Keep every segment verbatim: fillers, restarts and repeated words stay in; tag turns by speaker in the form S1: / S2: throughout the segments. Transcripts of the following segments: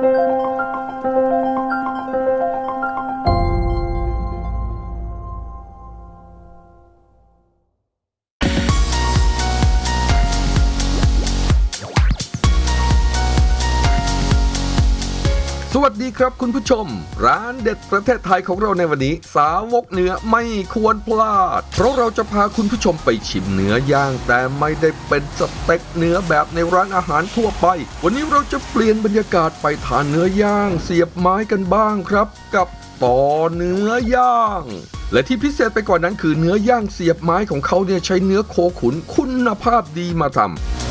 S1: สวัสดีครับคุณผู้ชมร้านเด็ดประเทศไทยของเราในวันนี้สาวกเนื้อไม่ควรพลาดเพราะเราจะพาคุณผู้ชมไปชิมเนื้อย่างแต่ไม่ได้เป็นสเต็กเนื้อแบบในร้านอาหารทั่วไปวันนี้เราจะเปลี่ยนบรรยากาศไปทานเนื้อย่างเสียบไม้กันบ้างครับกับต่อเนื้อย่างและที่พิเศษไปกว่านั้นคือเนื้อย่างเสียบไม้ของเขาเนี่ยใช้เนื้อโคขุนคุณภาพดีมาทำ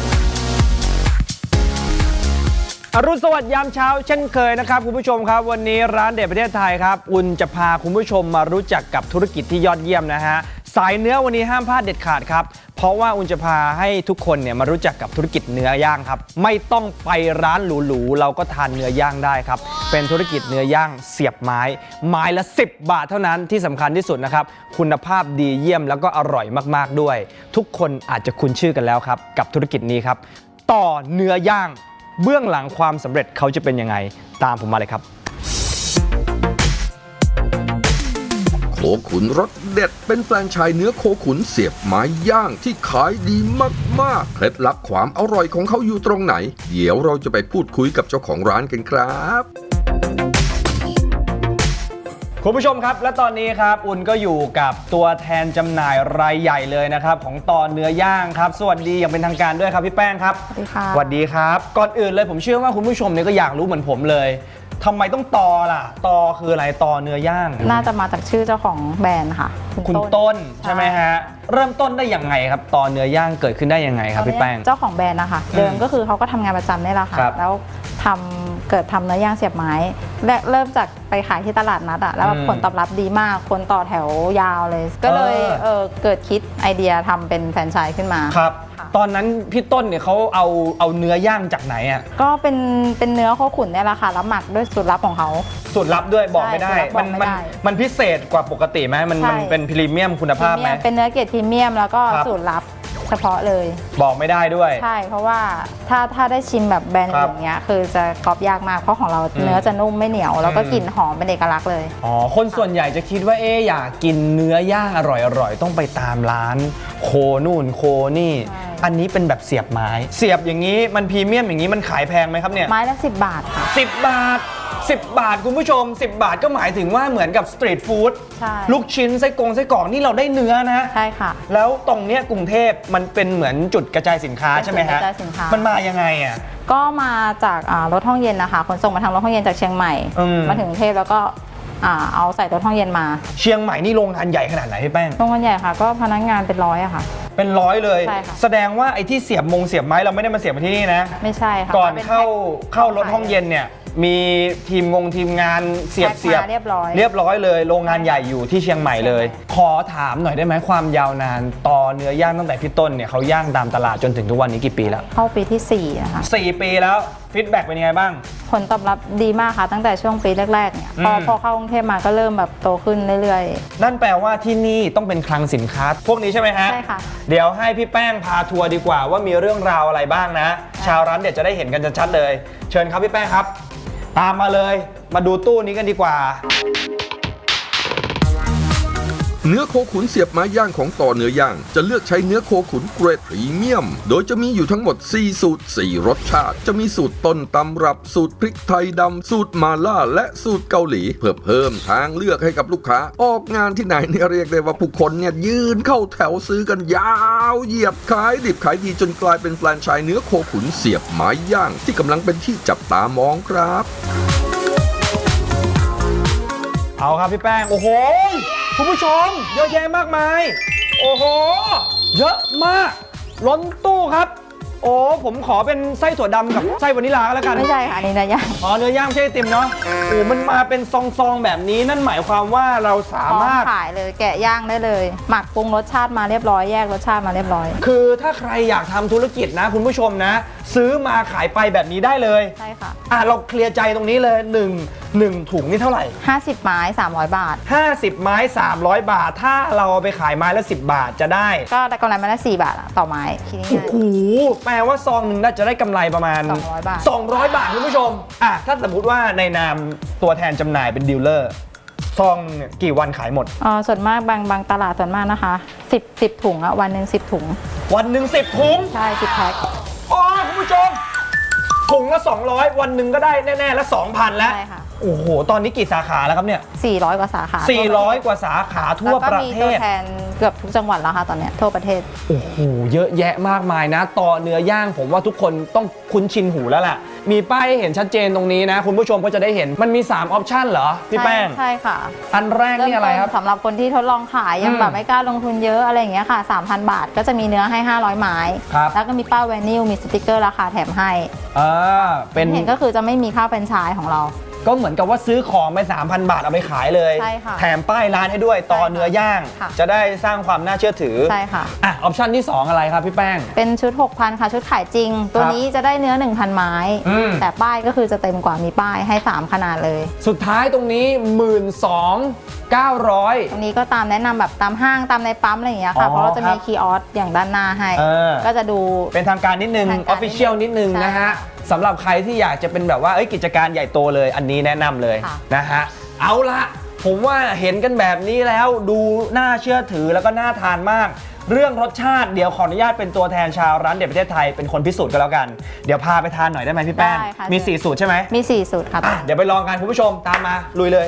S2: อรุณสวัสดิ์ยามเช้าเช่นเคยนะครับคุณผู้ชมครับวันนี้ร้านเด็ดประเทศไทยครับอุ่นจะพาคุณผู้ชมมารู้จักกับธุรกิจที่ยอดเยี่ยมนะฮะสายเนื้อวันนี้ห้ามพลาดเด็ดขาดครับเพราะว่าอุ่นจะพาให้ทุกคนเนี่ยมารู้จักกับธุรกิจเนื้อย่างครับไม่ต้องไปร้านหรูๆเราก็ทานเนื้อย่างได้ครับเป็นธุรกิจเนื้อย่างเสียบไม้ไม้ละสิบบาทเท่านั้นที่สำคัญที่สุดนะครับคุณภาพดีเยี่ยมแล้วก็อร่อยมากๆด้วยทุกคนอาจจะคุ้นชื่อกันแล้วครับกับธุรกิจนี้ครับต่อเนื้อย่างเบื้องหลังความสำเร็จเขาจะเป็นยังไงตามผมมาเลยครับ
S1: โคขุนรสเด็ดเป็นแฟรนไชส์เนื้อโคขุนเสียบไม้ย่างที่ขายดีมากๆเคล็ดลับความอร่อยของเขาอยู่ตรงไหนเดี๋ยวเราจะไปพูดคุยกับเจ้าของร้านกันครับ
S2: คุณผู้ชมครับและตอนนี้ครับอุ่นก็อยู่กับตัวแทนจำหน่ายรายใหญ่เลยนะครับของต่อเนื้อย่างครับสวัสดีอย่างเป็นทางการด้วยครับพี่แป้งครับ
S3: สวัสดีค่ะ
S2: สวัสดีครับก่อนอื่นเลยผมเชื่อว่าคุณผู้ชมเนี่ยก็อยากรู้เหมือนผมเลยทำไมต้องต่อล่ะต่อคืออะไรต่อเนื้อย่าง
S3: น่าจะมาจากชื่อเจ้าของแบรนด์ค่ะ
S2: คุณต้นใช่ไหมฮะเริ่มต้นได้ยังไงครับต่อเนื้อย่างเกิดขึ้นได้ยังไงครับพี่แป้ง
S3: เจ้าของแบรนด์นะคะเดิมก็คือเขาก็ทำงานประจำนี่แหละค่ะแล้วทำเกิดทำเนื้อย่างเสียบไม้และเริ่มจากไปขายที่ตลาดนัดอะแล้วผลตอบรับดีมากคนต่อแถวยาวเลยก็เลยเออเกิดคิดไอเดียทำเป็นแฟรนไชส์ขึ้นมา
S2: ครับตอนนั้นพี่ต้นเนี่ยเขาเอาเอาเนื้อย่างจากไหนอ่ะ
S3: ก็เป็นเป็นเนื้อโคขุนเนี่ยแหละค่ะแล้วหมักด้วยสูตรลับของเขา
S2: สูตรลับด้วยบอกไม่ได้มันมันมันพิเศษกว่าปกติไหมมันมันเป็นพรีเมียมคุณภาพไหม
S3: เป็นเนื้อเกรดพรีเมียมแล้วก็สูตรลับเฉพาะเลย
S2: บอกไม่ได้ด้วย
S3: ใช่เพราะว่าถ้าถ้าได้ชิมแบบแบรนด์อย่างเงี้ยคือจะกรอบยากมากเพราะของเราเนื้อจะนุ่มไม่เหนียวแล้วก็กลิ่นหอมเป็นเอกลักษณ์เลย
S2: อ๋อคนส่วนใหญ่จะคิดว่าเอ๊ะอยากกินเนื้อย่างอร่อยๆต้องไปตามร้านโคนู่นโคนี่อันนี้เป็นแบบเสียบไม้เสียบอย่างนี้มันพรีเมียมอย่างนี้มันขายแพงไหมครับเนี่ย
S3: ไม้ละสิบบาทค่ะ
S2: สิบบาทสิบบาทคุณผู้ชมสิบบาทก็หมายถึงว่าเหมือนกับสตรีทฟู้ดลูกชิ้นไส้กรงไส้กรอกนี่เราได้เนื้อนะ
S3: ใช่ค่ะ
S2: แล้วตรงเนี้ยกรุงเทพมันเป็นเหมือนจุดกระจายสินค้าใช่ไหมฮะมันมายังไงอ่ะ
S3: ก็มาจากรถห้องเย็นนะคะขนส่งมาทางรถห้องเย็นจากเชียงใหม่มาถึงกรุงเทพแล้วก็เอาใส่รถห้องเย็นมา
S2: เชียงใหม่นี่โรงงานใหญ่ขนาดไหนพี่แป้ง
S3: โรงงานใหญ่ค่ะก็พนักงานเป็นร้อยอะค่ะ
S2: เป็นร้อยเลยแสดงว่าไอ้ที่เสียบมงเสียบไม้เราไม่ได้มาเสียบมาที่นี่นะ
S3: ไม่ใช่ค่ะ
S2: ก่อนเข้าเข้ารถห้องเย็นเนี่ยมีทีมงงทีมงานเสียบเสียบ
S3: เรียบร้อย
S2: เรียบร้อยเลยโรงงานใหญ่อยู่ที่เชียงใหม่เลยขอถามหน่อยได้ไหมความยาวนานต่อเนื้อย่างตั้งแต่พี่ต้นเนี่ยเขาย่างตามตลาดจนถึงทุกวันนี้กี่ปีแล้ว
S3: เข้าปีที่สี่นะคะ
S2: สี่ปีแล้วฟีดแบ็กเป็นยังไงบ้าง
S3: ผลตอบรับดีมากค่ะตั้งแต่ช่วงปีแรกๆเนี่ยพอพอเข้ากรุงเทพมาก็เริ่มแบบโตขึ้นเรื่อย
S2: ๆนั่นแปลว่าที่นี่ต้องเป็นคลังสินค้าพวกนี้ใช่ไหมฮะ
S3: ใช่ค่ะ
S2: เดี๋ยวให้พี่แป้งพาทัวร์ดีกว่าว่ามีเรื่องราวอะไรบ้างนะชาวร้านเด็ดจะได้เห็นกันชัดๆเลยเชิญครับพี่แป้งครับตามมาเลยมาดูตู้นี้กันดีกว่า
S1: เนื้อโคขุนเสียบไม้ย่างของต่อเนื้อย่างจะเลือกใช้เนื้อโคขุนเกรดพรีเมียมโดยจะมีอยู่ทั้งหมดสี่สูตรสี่รสชาติจะมีสูตรต้นตำรับสูตรพริกไทยดำสูตรมาล่าและสูตรเกาหลีเพื่อเพิ่มทางเลือกให้กับลูกค้าออกงานที่ไหนเนี่ยเรียกได้ว่าผู้คนเนี่ยยืนเข้าแถวซื้อกันยาวเหยียดขายดิบขายดีจนกลายเป็นแฟรนไชส์เนื้อโคขุนเสียบไม้ย่างที่กำลังเป็นที่จับตามองครับ
S2: เอาครับพี่แป้งโอ้โหคุณผู้ชมเยอะแยะมากมายโอ้โหเยอะมากล้นตู้ครับโอ้ผมขอเป็นไส้ถั่วดำกับไส้วานิลลาก็แล้วกัน
S3: ไม่ใช่ค่ะนี่เนื้อย่าง
S2: อ๋อเนื้อย่างไม่ใช่ไอติมเนาะโอ้มันมาเป็นซองๆแบบนี้นั่นหมายความว่าเราสามารถ
S3: ขายเลยแกะย่างได้เลยหมักปรุงรสชาติมาเรียบร้อยแยกรสชาติมาเรียบร้อย
S2: คือถ้าใครอยากทำธุรกิจนะคุณผู้ชมนะซื้อมาขายไปแบบนี้ได้เลย
S3: ใช่ค่ะ
S2: อ่ะเราเคลียร์ใจตรงนี้เลยหนึ่ง หนึ่งถุงนี่เท่าไหร่
S3: ห้าสิบไม้สามร้อยบาท
S2: ห้าสิบไม้สามร้อยบาท ถ้าเราเอาไปขายไม้ละสิบบาทจะได้
S3: ก็ได้กำไรมาละสี่บาทอะต่อไม้คิดง่าย
S2: โอ้โหแปลว่าซองหนึ่งน่าจะได้กำไรประมาณ
S3: สองร้อยบาท
S2: สองร้อยบาทคุณผู้ชมอ่ะถ้าสมมติว่าในนามตัวแทนจำหน่ายเป็นดีลเลอร์ซองเนี่ยกี่วันขายหมด
S3: เอ่อส่วนมากบางบางตลาดส่วนมากนะคะสิบ สิบถุงอะวันหนึ่งสิบถุง
S2: วันหนึ่งสิบถุง
S3: ใช่สิบแพ็ค
S2: อ๋อคุณผู้ชมถุงละสองร้อยวันหนึ่งก็ได้แน่ๆละสองพันแล้ว
S3: ใช่ค่ะ
S2: โอ้โหตอนนี้กี่สาขาแล้วครับเนี่ย
S3: สี่ร้อยกว่าสาขา
S2: สี่ร้อยกว่าสาขาทั่ว
S3: แล้วก็
S2: ประ
S3: มี
S2: เท
S3: ตัว
S2: ศ
S3: แทนเกือบทุกจังหวัดแล้วค่ะตอนเนี้ยทั่วประเทศ
S2: โอ้โหเยอะแยะมากมายนะ ต่อเนื้อย่างผมว่าทุกคนต้องคุ้นชินหูแล้วล่ะมีป้ายให้เห็นชัดเจนตรงนี้นะ คุณผู้ชมก็จะได้เห็นมันมีสามออปชันเหรอพี่แป้ง
S3: ใช่ค่ะ
S2: อันแรกนี่อะไรครับ
S3: เมต้นสำหรับคนที่ทดลองขายยัง
S2: อืม
S3: แบบไม่กล้าลงทุนเยอะอะไรอย่างเงี้ยค่ะ สามพัน บาทก็จะมีเนื้อให้ห้าร้อยไม้
S2: ครับ
S3: แล้วก็มีป้ายไวนิลมีสติกเกอร์ราคาแถมให้
S2: อ่าเป็น
S3: เห็นก็คือจะไม่มีค่าแฟรนไชส์ของเรา
S2: ก็เหมือนกับว่าซื้อของไป สามพัน บาทเอาไปขายเลย
S3: ใช่ค่ะ
S2: แถมป้ายร้านให้ด้วยต่อเนื้อย่าง
S3: ค่ะ
S2: จะได้สร้างความน่าเชื่อถือ
S3: ใช่ค่ะ
S2: อ่ะออปชันที่สองอะไรครับพี่แป้ง
S3: เป็นชุด หกพัน ค่ะชุดขายจริง ตัวนี้จะได้เนื้อ หนึ่งพัน ไม้
S2: อืม
S3: แต่ป้ายก็คือจะเต็มกว่ามีป้ายให้สามขนาดเลย
S2: สุดท้ายตรงนี้ หนึ่งหมื่นสองพันเก้าร้อย
S3: ตรงนี้ก็ตามแนะนำแบบตามห้างตามในปั๊มอะไรอย่างเงี้ยค่ะ
S2: อ๋อ
S3: เพราะเราจะ
S2: ครั
S3: มี
S2: บ
S3: คีย์ออสอย่างด้านหน้าให้
S2: เออ
S3: ก็จะดู
S2: เป็นทางการนิดนึง
S3: ทาง
S2: อ
S3: การ
S2: อฟฟิเชียลนิดนึง
S3: ใช่
S2: นะฮะสำหรับใครที่อยากจะเป็นแบบว่าเอ้ยกิจการใหญ่โตเลยอันนี้แนะนำเลย
S3: ค่ะ
S2: นะฮะเอาละผมว่าเห็นกันแบบนี้แล้วดูน่าเชื่อถือแล้วก็น่าทานมาก เรื่องรสชาติเดี๋ยวขออนุญาตเป็นตัวแทนชาวร้านเด็ดประเทศไทยเป็นคนพิสูจน์กันแล้วกันเดี๋ยวพาไปทานหน่อยได้ไหมพี่แป้ง
S3: ได้ค่ะ
S2: มีสี่สูตรใช่ไหม
S3: มีสี่สูตรค่ะ
S2: อ่ะเดี๋ยวไปลองกันคุณผู้ชมตามมาลุยเลย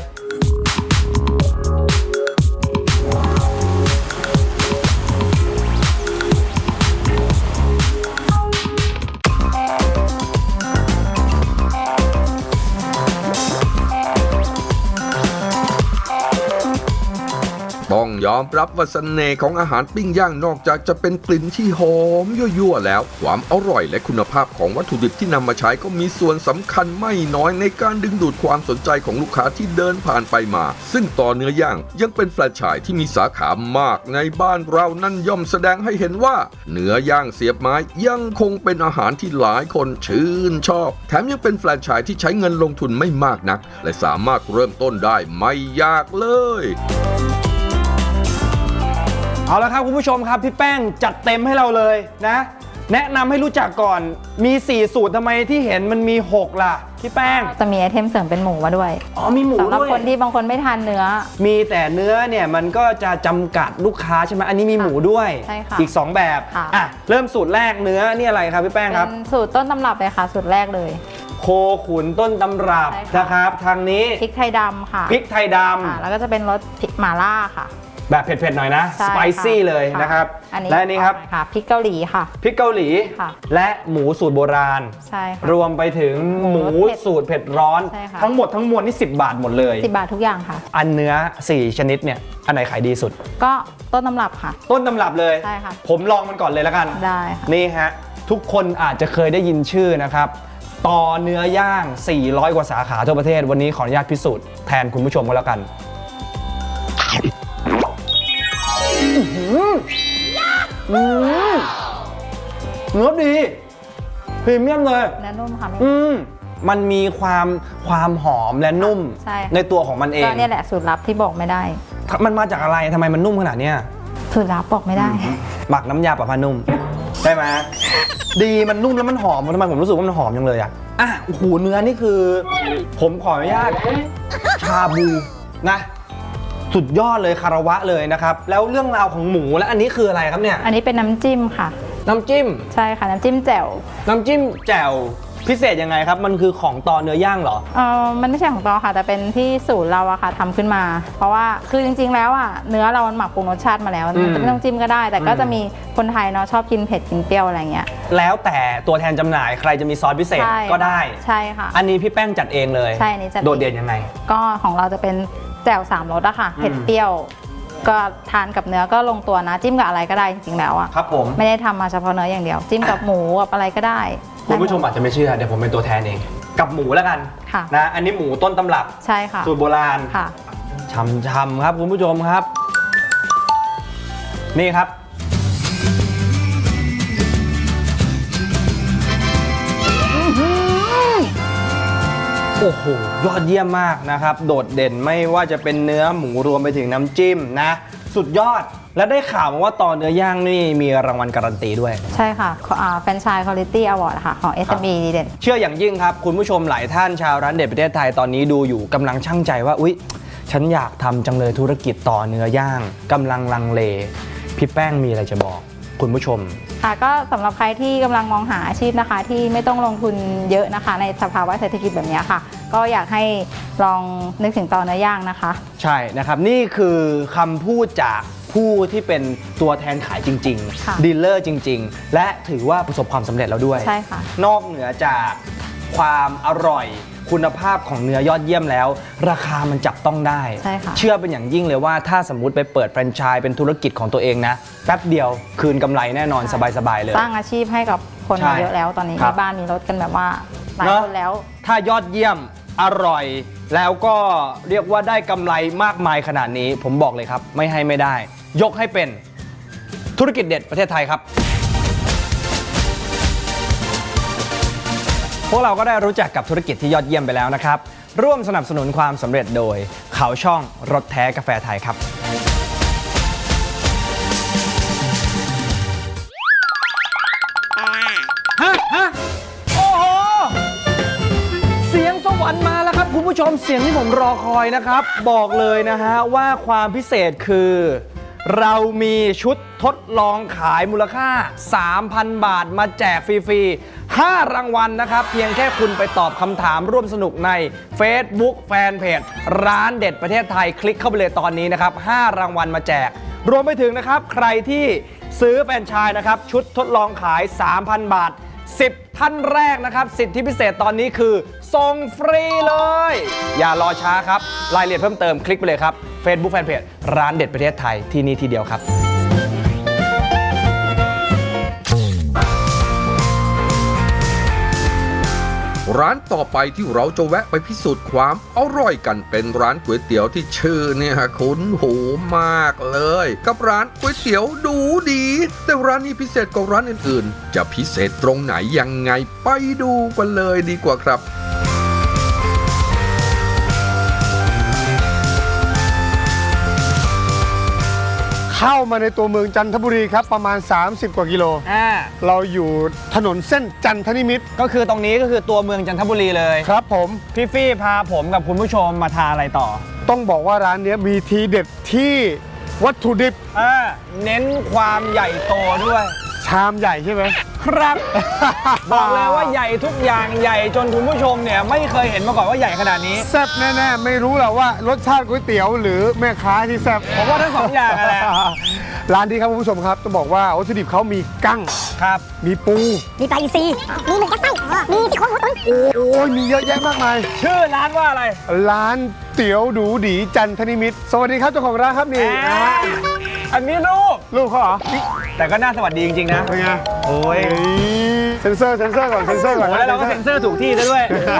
S1: ต้องยอมรับว่าเสน่ห์ของอาหารปิ้งย่างนอกจากจะเป็นกลิ่นที่หอมยั่วๆแล้ว ความอร่อยและคุณภาพของวัตถุดิบที่นำมาใช้ก็มีส่วนสำคัญไม่น้อยในการดึงดูดความสนใจของลูกค้าที่เดินผ่านไปมา ซึ่งต่อเนื้อย่างยังเป็นแฟรนไชส์ที่มีสาขามากในบ้านเรานั่นย่อมแสดงให้เห็นว่าเนื้อย่างเสียบไม้ยังคงเป็นอาหารที่หลายคนชื่นชอบแถมยังเป็นแฟรนไชส์ที่ใช้เงินลงทุนไม่มากนักและสามารถเริ่มต้นได้ไม่ยากเลย
S2: เอาละครับคุณผู้ชมครับพี่แป้งจัดเต็มให้เราเลยนะ แนะนำให้รู้จักก่อนมีสี่สูตรทำไมที่เห็นมันมีหกล่ะพี่แป้ง
S3: จะมีไอเทมเสริมเป็นหมูมาด้วย
S2: อ๋อมีหมู
S3: สำหรับ
S2: ด้วย
S3: คนที่บางคนไม่ทานเนื้อ
S2: มีแต่เนื้อเนี่ยมันก็จะจำกัดลูกค้าใช่ไหมอันนี้มีหมูด้วย
S3: ใช่ค่ะ
S2: อีกสองแบบ
S3: ค่ะ
S2: อ่ะเริ่มสูตรแรกเนื้อนี่อะไรครับพี่แป้งครับ
S3: เป็นสูตรต้นตำรับเลยค่ะ สูตรแรกเลย
S2: โคขุนต้นตำรับ
S3: ใช่ค่ะ
S2: นะครับทางนี้
S3: พริกไทยดำค่ะ
S2: พริกไทยด
S3: ค่ะแล้วก็จะเป็นรสพริกหม่าล่าค่ะ
S2: ำแบบเผ็ดๆหน่อยนะ
S3: ใช่
S2: สไปซี่
S3: ค่ะ
S2: เลยนะครับ
S3: อันนี้
S2: และอันนี้ครับ
S3: ค่ะพริกเกาหลีค่ะ
S2: พริกเกาหลี
S3: ค่ะ
S2: และหมูสูตรโบราณ
S3: ใช่ค่ะ
S2: รวมไปถึงห
S3: หมู
S2: มู
S3: รสเผ็ด
S2: สูตรเผ็ดร้อน
S3: ใช่ค่ะ
S2: ทั้งหมดทั้งมวลนี่สิบบาทหมดเลย
S3: สิบบาททุกอย่างค่ะ
S2: อันเนื้อสี่ชนิดเนี่ยอันไหนขายดีสุด
S3: ก็ต้นตำรับค่ะ
S2: ต้นตำรับเลย
S3: ใช่ค่ะ
S2: ผมลองมันก่อนเลยแล้วกัน
S3: ได้ค่ะ
S2: นี่ฮะ ทุกคนอาจจะเคยได้ยินชื่อนะครับ ต่อเนื้อย่าง สี่ร้อย กว่าสาขาทั่วประเทศ วันนี้ขออนุญาตพิสูจน์แทนคุณผู้ชมก็แล้วกันอื้อหืออืมเนื้อดีพรีเมียมเลย
S3: และนุ่มค่ะไม่
S2: อืมมันมีความความหอมและนุ่ม
S3: ใช่ค่ะ
S2: ในตัวของมันเอง
S3: ก็เนี่ยแหละสูตรลับที่บอกไม่ได้
S2: มันมาจากอะไรทำไมมันนุ่มขนาดเนี้ย
S3: สูตรลับบอกไม่ได้
S2: หมักน้ำยาปะพานุ่มได้ไหมดีมันนุ่มแล้วมันหอมทำไมผมรู้สึกว่ามันหอมจังเลยอ่ะอ่ะโอ้โหเนื้อนี่คือ ผมขออนุญาตชาบูนะสุดยอดเลยคารวะเลยนะครับ แล้วเรื่องราวของหมูและอันนี้คืออะไรครับเนี่ย
S3: อันนี้เป็นน้ำจิ้มค่ะ
S2: น้ำจิ้ม
S3: ใช่ค่ะน้ำจิ้มแจ่ว
S2: น้ำจิ้มแจ่วพิเศษยังไงครับ มันคือของต่อเนื้อย่างเหรอ
S3: เออมันไม่ใช่ของตอค่ะ แต่เป็นที่สูตรเราอะค่ะทำขึ้นมา เพราะว่าคือจริงๆแล้วอะเนื้อเรามันหมักปรุงรสชาติมาแล้ว
S2: อืม
S3: มันจะไม่ต้องจิ้มก็ได้ แต่ก็
S2: อืม
S3: จะมีคนไทยเนาะชอบกินเผ็ดกินเปรี้ยวอะไรเงี้ย
S2: แล้วแต่ตัวแทนจำหน่ายใครจะมีซอสพิเศษ
S3: ใช่
S2: ก็ได้
S3: ใช่ค่ะ
S2: อันนี้พี่แป้งจัดเองเลย
S3: ใช่อันนี้จัดเอง
S2: โดดเด่นยังไง
S3: ก็ของเราจะเป็นแจ่วสามรสอะค่ะ
S2: อืม
S3: เผ็ดเปรี้ยว ก็ทานกับเนื้อก็ลงตัวนะ จิ้มกับอะไรก็ได้จริงๆแล้วอะ
S2: ครับผม
S3: ไม่ได้ทำมาเฉพาะเนื้ออย่างเดียว จิ้มกับหมูกับอะไรก็ได้
S2: คุณผู้ชมอาจจะไม่เชื่อเดี๋ยวผมเป็นตัวแทนเอง กับหมูแล้วกัน
S3: ค่ะ
S2: นะอันนี้หมูต้นตำรับ
S3: ใช่ค่ะ
S2: สูตรโบราณ
S3: ค่ะ
S2: ช่ำๆครับคุณผู้ชมครับ นี่ครับโอ้โหยอดเยี่ยมมากนะครับโดดเด่นไม่ว่าจะเป็นเนื้อหมูรวมไปถึงน้ำจิ้มนะสุดยอดและได้ข่าวมาว่าต่อเนื้อย่างนี่มีรางวัลการันตีด้วย
S3: ใช่ค่ะแฟรนไชส์คุณภาพอวอร์ดค่ะของ เอส เอ็ม อี ดีเด่น
S2: เชื่ออย่างยิ่งครับคุณผู้ชมหลายท่านชาวร้านเด็ดประเทศไทยตอนนี้ดูอยู่กำลังชั่งใจว่าอุ๊ยฉันอยากทำจังเลยธุรกิจต่อเนื้อย่างกำลังลังเลพี่แป้งมีอะไรจะบอกคุณผู้ชม
S3: ค่ะก็สำหรับใครที่กำลังมองหาอาชีพนะคะที่ไม่ต้องลงทุนเยอะนะคะในสภาวะเศรษฐกิจแบบนี้ค่ะก็อยากให้ลองนึกถึงต่อเนื้อย่างนะคะ
S2: ใช่นะครับนี่คือคำพูดจากผู้ที่เป็นตัวแทนขายจริงๆดีลเลอร์จริงๆและถือว่าประสบความสำเร็จแล้วด้วย
S3: ใช่ค่ะ
S2: นอกเหนือจากความอร่อยคุณภาพของเนื้อยอดเยี่ยมแล้วราคามันจับต้องได้
S3: ใช่ค่ะ
S2: เชื่อเป็นอย่างยิ่งเลยว่าถ้าสมมุติไปเปิดแฟรนไชส์เป็นธุรกิจของตัวเองนะแป๊บเดียวคืนกำไรแน่นอนสบายๆเลย
S3: สร้างอาชีพให้กับคนมาเยอะแล้วตอนนี้ในบ้านมีรถกันแบบว่าหลายคนแล้ว
S2: ถ้ายอดเยี่ยมอร่อยแล้วก็เรียกว่าได้กำไรมากมายขนาดนี้ผมบอกเลยครับไม่ให้ไม่ได้ยกให้เป็นธุรกิจเด็ดประเทศไทยครับพวกเราก็ได้รู้จักกับธุรกิจที่ยอดเยี่ยมไปแล้วนะครับร่วมสนับสนุนความสำเร็จโดยเขาช่องรถแท้กาแฟไทยครับฮะฮะโอ้โหเสียงสวรรค์มาแล้วครับคุณผู้ชมเสียงที่ผมรอคอยนะครับบอกเลยนะฮะว่าความพิเศษคือเรามีชุดทดลองขายมูลค่า สามพัน บาทมาแจกฟรีๆห้ารางวัลนะครับเพียงแค่คุณไปตอบคำถามร่วมสนุกใน Facebook แฟนเพจร้านเด็ดประเทศไทยคลิกเข้าไปเลยตอนนี้นะครับห้ารางวัลมาแจกรวมไปถึงนะครับใครที่ซื้อแฟรนไชส์นะครับชุดทดลองขาย สามพัน บาทสิบท่านแรกนะครับสิทธิพิเศษตอนนี้คือส่งฟรีเลยอย่ารอช้าครับรายละเอียดเพิ่มเติมคลิกไปเลยครับ Facebook Fanpage ร้านเด็ดประเทศไทยที่นี่ทีเดียวครับ
S1: ร้านต่อไปที่เราจะแวะไปพิสูจน์ความอร่อยกันเป็นร้านก๋วยเตี๋ยวที่ชื่อเนี่ยคุ้นหูมากเลยกับร้านก๋วยเตี๋ยวดูดีแต่ร้านนี้พิเศษกว่าร้านอื่นๆจะพิเศษตรงไหนยังไงไปดูกันเลยดีกว่าครับ
S4: เข้ามาในตัวเมืองจันทบุรีครับประมาณสามสิบกว่ากิโลเราอยู่ถนนเส้นจันทนิมิตร
S2: ก็คือตรงนี้ก็คือตัวเมืองจันทบุรีเลย
S4: ครับผม
S2: พี่ฟี่พาผมกับคุณผู้ชมมาทานอะไรต่อ
S4: ต้องบอกว่าร้านนี้มีทีเด็ดที่วัตถุดิบ
S2: เน้นความใหญ่โตด้วย
S4: ชามใหญ่ใช่ไหม
S2: ครับบอกเลยว่าใหญ่ทุกอย่างใหญ่จนคุณผู้ชมเนี่ยไม่เคยเห็นมาก่อนว่าใหญ่ขนาดนี้
S4: แซ่บแน่ๆไม่รู้หรอกว่ารสชาติก๋วยเตี๋ยวหรือแม่ค้าที่แซ่บ
S2: ผมว่าทั้งสองอย่างแหละ
S4: ร้านนี้ครับคุณผู้ชมครับต้องบอกว่าวัตถุดิบเขามีกั้ง
S2: ครับ
S4: มีปู
S5: มีปลาอินทรีมีหมูกระไส้มีซี่โครงหมูตุ๋น
S4: โอ้ยมีเยอะแยะมากมาย
S2: ชื่อร้านว่าอะไร
S4: ร้านเตี๋ยวดูดีจันทนิมิตรสวัสดีครับเจ้าของร้านครับนี่
S2: อันนี้ลูก
S4: ลูกเขาเหรอ
S2: แต่ก็น่าสวัสดีจริงๆนะ
S4: เป็นไง
S2: โอ้ย
S4: เซนเซอร์เซนเซอร์ก่อนเซนเซอร์ก่อน
S2: แล้วเราก็เซนเซอร์ถูกที่ด้วย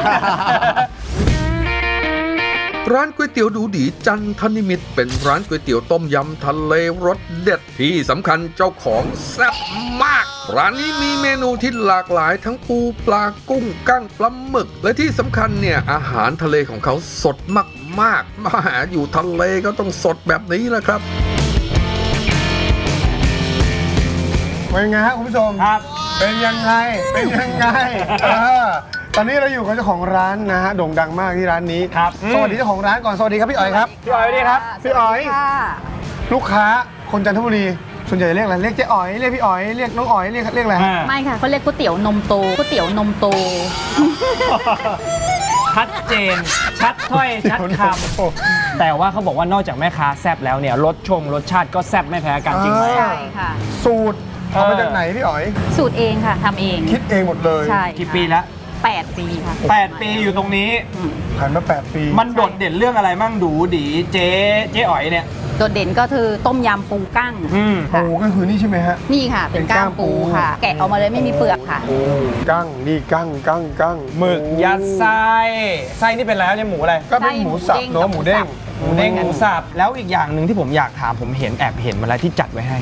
S1: ร้านก๋วยเตี๋ยวดูดีจันทนิมิตรเป็นร้านก๋วยเตี๋ยวต้มยำทะเลรสเด็ดที่สำคัญเจ้าของแซ่บมากร้านนี้มีเมนูที่หลากหลายทั้งปูปลากุ้งกั้งปลาหมึกและที่สำคัญเนี่ยอาหารทะเลของเขาสดมากๆมาหาอยู่ทะเลก็ต้องสดแบบนี้แหละครับ
S4: เป็นไงฮะคุณผู้ชม
S2: ครับ
S4: เป็นยังไงเป็นยังไงตอนนี้เราอยู่กับเจ้าของร้านนะฮะโด่งดังมากที่ร้านนี้
S2: ครับ
S4: สวัสดีเจ้าของร้านก่อนสวัสดีครับพี่อ๋อยครับ
S2: พี่อ๋อยสวัสดีครับ
S4: พี่อ๋อยลูกค้าคนจันทบุรีส่วนใหญ่เรียกอะไรเรียกเจ๊อ๋อยเรียกพี่อ๋อยเรียกน้องอ๋อยเรียกเรียกอะไร
S5: ไม่ค่ะเขาเรียกก๋วยเตี๋ยวนมโตก๋วยเตี๋ยวนมโต
S2: ชัดเจนชัดถ้อยชัดคำแต่ว่าเขาบอกว่านอกจากแม่ค้าแซ่บแล้วเนี่ยรสชงรสชาติก็แซ่บไม่แพ้กันจริงไหม
S5: ใช่ค่ะ
S4: สูตรเอามาจากไหนพี่อ๋อย
S5: สูตรเองค่ะทำเอง
S4: คิดเองหมดเลย
S5: ใช่
S2: กี่ปีแล้ว
S5: แปดปีค่ะ
S2: แปดปีอยู่ตรงนี้
S4: ผ่านมาแปดปี
S2: มันโดดเด่นเรื่องอะไรมั่งดูดีเจ๊เจ๊อ๋อยเนี่ย
S5: โดดเด่นก็คือต้มยำปูกั้ง
S4: ปูก็คือนี่ใช่ไหมฮะ
S5: นี่ค่ะเป็นก้างปูค่ะแกะออกมาเลยไม่มีเปลือกค่ะ
S4: กั้งนี่กั้งกั้งกั้ง
S2: หมึกยัดไส้ไส้นี่เป็นแล้วเนี่ยหมูอะไร
S4: ก็เป็นหมูสับเนาะหมูเด้ง
S2: หมูเด้งหมูสับแล้วอีกอย่างหนึ่งที่ผมอยากถามผมเห็นแอบเห็นมาแล้วที่จัดไว้ให้เนี่ย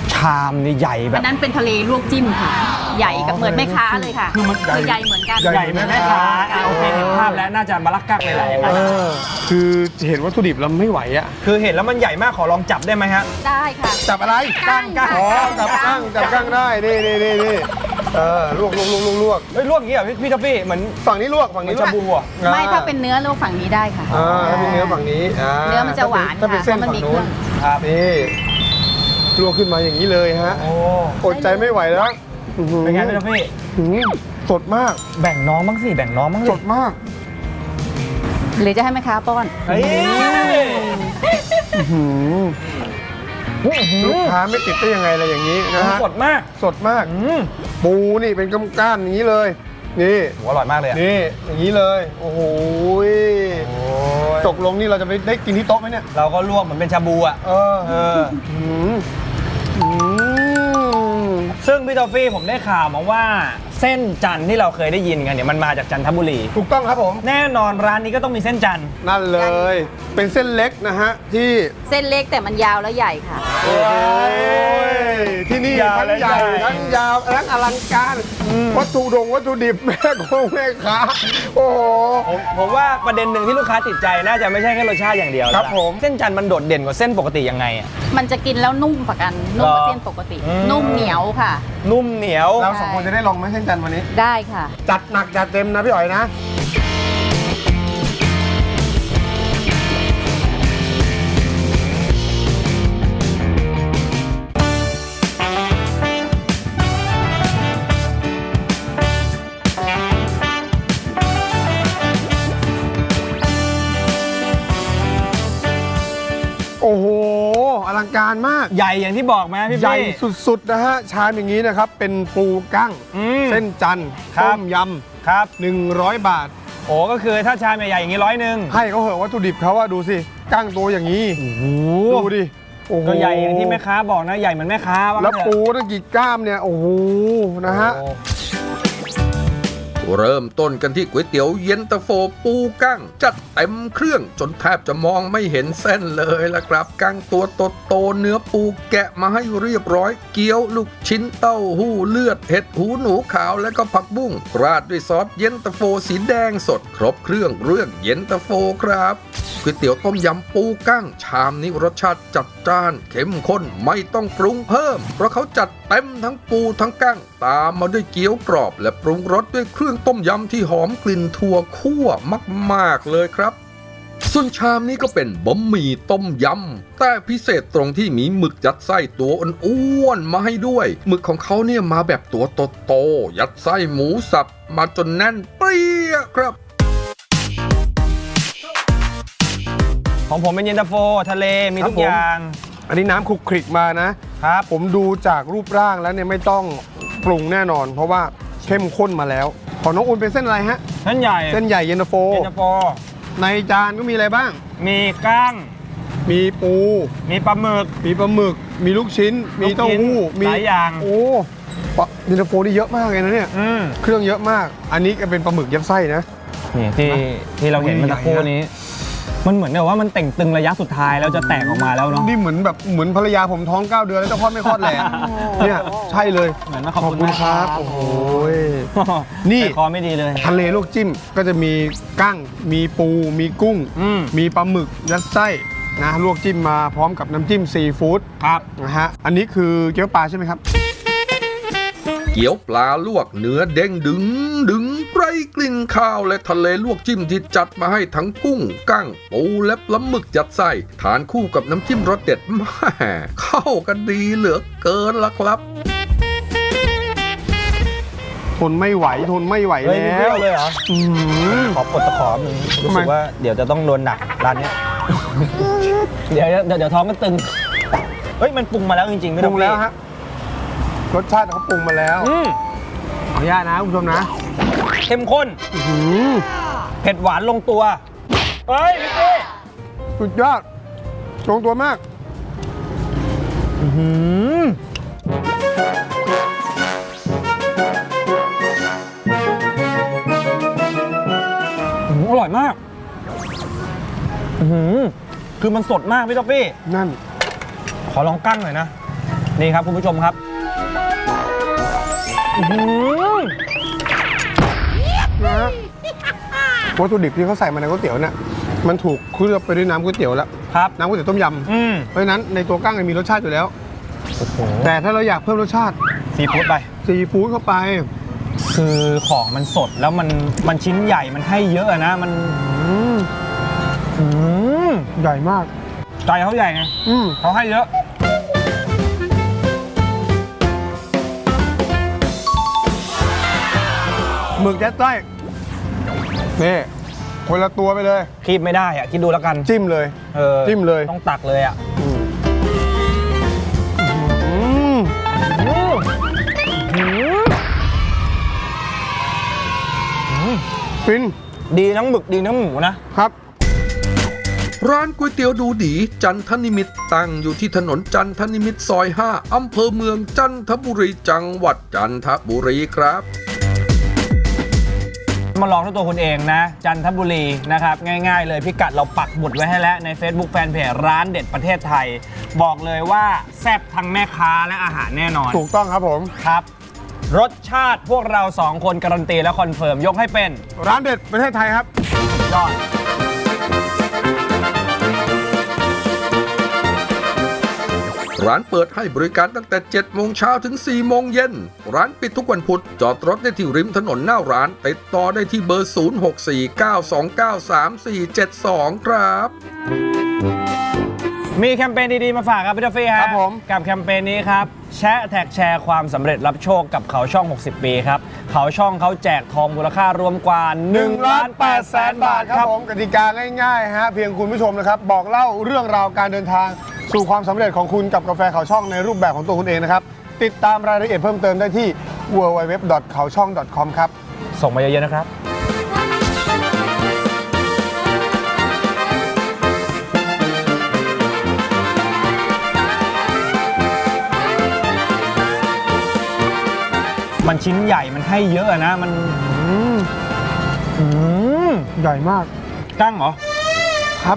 S2: ชามนี่ใหญ่แบ
S5: อั
S2: บ
S5: นนั้นเป็นทะเลลวกจิ้มค่ะ ใหญ่กับเหมือนแม่ค้าเลยค่ะ
S2: คือมันใหญ่
S5: ใหญ่เหมือนกัน
S2: ใหญ่ไหมแม่ค้าโอเคเห็นภาพแล้วน่าจะมาลักกักเลยแหละอย่างนั้น
S4: เออคือเห็นวัตถุดิบแล้วไม่ไหวอะ
S2: คือเห็นแล้วมันใหญ่มากขอลองจับได้ไหมฮะ
S5: ได้ค่ะ
S4: จับอะไร
S5: กั้งค่ะ
S4: อ๋อจับกั้งจับกั้งได้นี่นี่นี่นี่เออลวกลวกลวกลวกลวก
S2: เฮ้ยลวกอย่างนี้เหรอพี่พี่ท็อฟฟี่เหมือน
S4: ฝั่งนี้ลวกฝั่ง
S2: เหมือ
S4: นี้
S2: น
S4: ลว
S2: ชาก บูอ่ะ
S5: ไม่ถ้าเป็นเนื้อลวกฝั่งนี้ได้ค่ะ
S4: อ่าถ้าเป็นเนื้อฝั่งนี้า
S5: เนื้อมันจะหวาน
S4: ถ้าเป็น
S5: ค่ะ
S4: เส้น
S5: เพราะมัน
S4: ฝั่ง
S5: มี
S4: นู้น
S5: เครื่อง
S2: ครับ
S4: นี่ลวกขึ้นมาอย่างนี้เลยฮะ
S2: โอ้
S4: อดใจไม่ไหวแล้วอื้อหือ
S2: เป็นไงพี่ท็อฟฟี่
S4: หือสดมาก
S2: แบ่งน้องบ้างสิแบ่งน้องบ้าง
S4: สดมาก
S5: หรือจะให้แม่ค้าป้อน
S2: เฮ้ย
S4: อื้อหือ
S2: อื้อหื
S4: ลูก
S2: อ
S4: ค้าไม่ติดได้ยังไงอะไรอย่างนี้นะฮะ
S2: สดมาก
S4: สดมาก
S2: อืม
S4: ปูนี่เป็นก้านๆอย่างนี้เลย นี่
S2: โหอร่อยมากเลยอะ
S4: นี่อย่างนี้เลย โอ้โหย
S2: โอ้ย
S4: ตกลงนี่เราจะไปได้กินที่โต๊ะไหมเนี่ย
S2: เราก็ลวกเหมือนเป็นชาบูอ่ะ
S4: เออ
S2: เออ
S4: หืมหืม
S2: ซึ่งพี่ทอฟฟี่ผมได้ข่าวมาว่าเส้นจันทร์ที่เราเคยได้ยินกันเนี่ยมันมาจากจันทบุรี
S4: ถูกต้องครับผม
S2: แน่นอนร้านนี้ก็ต้องมีเส้นจันทร์
S4: นั่นเลย เป็นเส้นเล็กนะฮะ ที่
S5: เส้นเล็กแต่มันยาวและใหญ่ค่ะ
S4: โอ้ยที่นี่
S2: ยาว
S4: ทั้ง
S2: และ
S4: ใหญ่
S2: ใหญ่
S4: ทั้งยาวทั้งอลังการ วัตถุดงวัตถุดิบ แม่คงแม่ค้าโอ้โห
S2: ผมผมว่าประเด็นหนึ่งที่ลูกค้าติดใจน่าจะไม่ใช่แค่รสชาติอย่างเดียว
S4: ครับ
S2: แล้วล่ะ
S4: ผม
S2: เส้นจันทร์มันโดดเด่นกว่าเส้นปกติยังไงอะ
S5: มันจะกินแล้วนุ่มกว่ากัน นุ่มกว่า
S2: หรอ
S5: เส้นปกติ
S2: อืม
S5: นุ่มเหนียวค่ะ
S2: นุ่มเหนียว
S4: เราสองคนจะได้ลองไหมเส้นจันทร์วันนี้
S5: ได้ค่ะ
S4: จัดหนักจัดเต็มนะพี่อ๋อยนะ โอ้โห อลังการมาก
S2: ใหญ่อย่างที่บอกไหมพี่
S4: ใหญ่
S2: พี่
S4: สุดๆนะฮะ ชามอย่างนี้นะครับ เป็นปูกั้ง
S2: อืม
S4: เส้นจันทร์
S2: ครั
S4: ต้
S2: บ
S4: มย
S2: ครับ
S4: ำหนึ่งร้อยบาท
S2: โอ้ก็คือถ้าชามใหญ่ๆอย่างนี้ร้อยหนึ่ง
S4: ให้เขาเหอะวัตถุดิบเขาว่าดูสิกั้งตัวอย่างนี้
S2: โอ้โห
S4: ดูดิโอ้โห
S2: ก็ใหญ่อย่างที่แม่ค้าบอกนะใหญ่เหมือนแม่ค้าว่า
S4: แล้ว
S2: งั้นเถอะ
S4: ปูตั้งกี่กล้ามเนี่ย โอ้โห นะฮะ
S2: โอ้
S1: เริ่มต้นกันที่ก๋วยเตี๋ยวเย็นตาโฟปูกั้ง จัดเต็มเครื่องจนแทบจะมองไม่เห็นเส้นเลยละครับกั้งตัวโตๆเนื้อปูแกะมาให้เรียบร้อย เกี๊ยวลูกชิ้นเต้าหู้เลือดเห็ดหูหนูขาวและก็ผักบุ้งราดด้วยซอสเย็นตาโฟสีแดงสด ครบเครื่องเรื่องเย็นตาโฟครับก๋วยเตี๋ยวต้มยำปูกั้ง ชามนี้รสชาติจัดจ้านเข้มข้นไม่ต้องปรุงเพิ่ม เพราะเขาจัดเต็มทั้งปูทั้งกั้ง ตามมาด้วยเกี๊ยวกรอบ และปรุงรสด้วยเครื่องต้มยำที่หอมกลิ่นถั่วคั่วมากๆเลยครับ ส่วนชามนี้ก็เป็นบะหมี่ต้มยำแต่พิเศษตรงที่มีหมึกยัดไส้ตัวอ้วนๆมาให้ด้วยหมึกของเขาเนี่ยมาแบบตัวโตๆยัดไส้หมูสับมาจนแน่นเปรี้ยครับ
S2: ของผมเป็นเย็นตาโฟทะเลมีทุก
S4: ครับผม
S2: อย่าง
S4: อันนี้น้ำคลุกคลิกมานะ
S2: ครับ
S4: ผมดูจากรูปร่างแล้วเนี่ยไม่ต้องปรุงแน่นอน เพราะว่าเข้มข้นมาแล้ว ของน้องอุ่นเป็นเส้นอะไรฮะ
S2: เส้นใหญ่
S4: เส้นใหญ่เย็นตาโฟ
S2: เย็นตาโฟ
S4: ในจานก็มีอะไรบ้าง
S2: มีกั้ง
S4: มีปู
S2: มีปลาหมึก
S4: มีปลาหมึก มีลูกชิ้น มีเต้าหู้ มี
S2: หลายอย่าง
S4: โอ้ปะเย็นตาโฟนี่เยอะมากเลยนะเนี่ย
S2: อืม
S4: เครื่องเยอะมาก อันนี้ก็เป็นปลาหมึกยัดไส้นะ
S2: นี่ที่ที่เราเห็นเมื่อสักครู่นี้ มันเหมือนแบบว่ามันแต่งตึงระยะสุดท้ายแล้วจะแตกออกมาแล้วเนาะ
S4: นี่เหมือนแบบเหมือนภรรยาผมท้องเก้าเดือนแล้วเจ้าพ่อไม่คลอดแหละเนี่ยใช่เลย
S2: เหมือนมา
S4: ข
S2: ข
S4: อ
S2: อ
S4: บบ
S2: คุณ
S4: คุณ
S2: นะ
S4: ค
S2: ค
S4: รั
S2: รั
S4: บบ โอ้โหนี่
S2: ใจคอไม่ดีเลย
S4: ทะเลลวกจิ้มก็จะมีกั้ง มีปู มีกุ้ง
S2: อืม
S4: มีปลาหมึกยัดไส้นะลวกจิ้มมาพร้อมกับน้ำจิ้มซีฟู้ด
S2: ครับ
S4: นะฮะอันนี้คือเกี๊ยวปลาใช่ไหมครับ
S1: เกี๊ยวปลาลวกเนื้อเด้งดึงดึงไร้กลิ่นข้าวและทะเลลวกจิ้มที่จัดมาให้ทั้งกุ้งกั้งปูและปลาหมึกยัดไส้ทานคู่กับน้ำจิ้มรสเด็ดแม่เข้ากันดีเหลือเกินละครับ
S4: ทนไม่ไหวทนไม่ไหว
S2: เฮ้ย
S4: แล้
S2: เปรี้ยว
S4: ว
S2: เลยเหรอ
S4: อื้อหือ
S2: ขอกดตะขอหนึ่งรู้
S4: ทำไม
S2: สึกว่าเดี๋ยวจะต้องโดนหนักร้านเนี้ย เดี๋ยวเดี๋ยวเดี๋ยวท้องก็ตึง เฮ้ยมันปรุงมาแล้วจริงๆไม่
S4: ป
S2: ต้
S4: รุ
S2: อง
S4: งแล้วฮะรสชาติเขาปรุงมาแล้ว
S2: อืม
S4: ขออนุญาตนะคุณผู้ชมนะ
S2: เข้มข้น
S4: อื้อหือ
S2: เผ็ดหวานลงตัว เฮ้ยพี่เต้
S4: สุดยอดลงตัวมาก
S2: อื้อหืออื้อหืออร่อยมากอื้อหือคือมันสดมากพี่ท็อฟฟี่
S4: นั่น
S2: ขอลองกั้งหน่อยนะนี่ครับคุณผู้ชมครับอื้อหือ
S4: นะฮะวัตถุดิบที่เขาใส่มาในก๋วยเตี๋ยวเนี่ยมันถูกเคลือบไปด้วยน้ำก๋วยเตี๋ยวแล้ว
S2: ครับ
S4: น้ำก๋วยเตี๋ยวต้มย
S2: อืม
S4: ำเพราะฉะนั้นในตัวกั้งเนี่ยมีรสชาติอยู่แล้ว
S2: โอ้โห
S4: แต่ถ้าเราอยากเพิ่มรสชาติ
S2: ซีฟู้ดไป
S4: ซีฟู้ดเข้าไป
S2: คือของมันสดแล้วมันมันชิ้นใหญ่มันให้เยอะอะนะมัน
S4: อืม
S2: อืม
S4: ใหญ่มาก
S2: ใจเขาใหญ่ไง
S4: อืม
S2: เขาให้เยอะ
S4: หมึกยัดไส้นี่คนละตัวไปเลย
S2: คีบไม่ได้อะคิดดูแล้วกัน
S4: จิ้มเลย
S2: เออ
S4: จิ้มเลย
S2: ต้องตักเลยอะ
S4: อืมอืม
S2: อืมอืม
S4: ฟิน
S2: ดีทั้งหมึกดีทั้งหมูนะ
S4: ครับ
S1: ร้านก๋วยเตี๋ยวดูดีจันทนิมิตรตั้งอยู่ที่ถนนจันทนิมิตรซอย ห้า อำเภอเมืองจันทบุรีจังหวัดจันทบุรีครับ
S2: มาลองด้วยตัวคุณเองนะ จันทบุรีนะครับ ง่ายๆเลยพิกัดเราปักหมุดไว้ให้แล้วใน Facebook Fanpage ร้านเด็ดประเทศไทย บอกเลยว่าแซ่บทั้งแม่ค้าและอาหารแน่นอน
S4: ถูกต้องครับผม
S2: ครับ รสชาติพวกเราสองคนการันตีและคอนเฟิร์มยกให้เป็น
S4: ร้านเด็ดประเทศไทยครับ
S2: ยอด
S1: ร้านเปิดให้บริการตั้งแต่ เจ็ดโมงเช้าถึง สี่โมงเย็น ร้านปิดทุกวันพุธ จอดรถได้ที่ริมถนนหน้าร้าน ติดต่อได้ที่เบอร์ ศูนย์ หก สี่ เก้า สอง เก้า สาม สี่ เจ็ด สอง ครับ
S2: มีแคมเปญดีๆมาฝากครับพี่ทอฟฟี่ฮะ
S4: ครับผม
S2: กับแคมเปญนี้ครับแชะแท็กแชร์ความสำเร็จรับโชคกับเขาช่อง หกสิบ ปีครับ เขาช่องเขาแจกทองมูลค่ารวมกว่า1ล้าน8แสนบาทครับ
S4: ผมกติกาง่ายๆฮะเพียงคุณผู้ชมนะครับ บอกเล่าเรื่องราวการเดินทาง สู่ความสำเร็จของคุณกับกาแฟเขาช่องในรูปแบบของตัวคุณเองนะครับ ติดตามรายละเอียดเพิ่มเติมได้ที่ ดับเบิลยู ดับเบิลยู ดับเบิลยู ดอท เขาช่อง ดอท คอม ครับ
S2: ส่งมาเยอะๆนะครับ มันชิ้นใหญ่มันให้เยอะอะนะมัน
S4: อืม
S2: อืม
S4: ใหญ่มาก
S2: กั้งเหรอ
S4: ครับ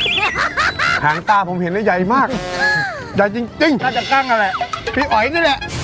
S4: หางตาผมเห็นแล้วใหญ่มาก ใหญ่จริง
S2: น่าจะกั้งอะไร
S4: ๆ พี่อ๋อยนี่แหละ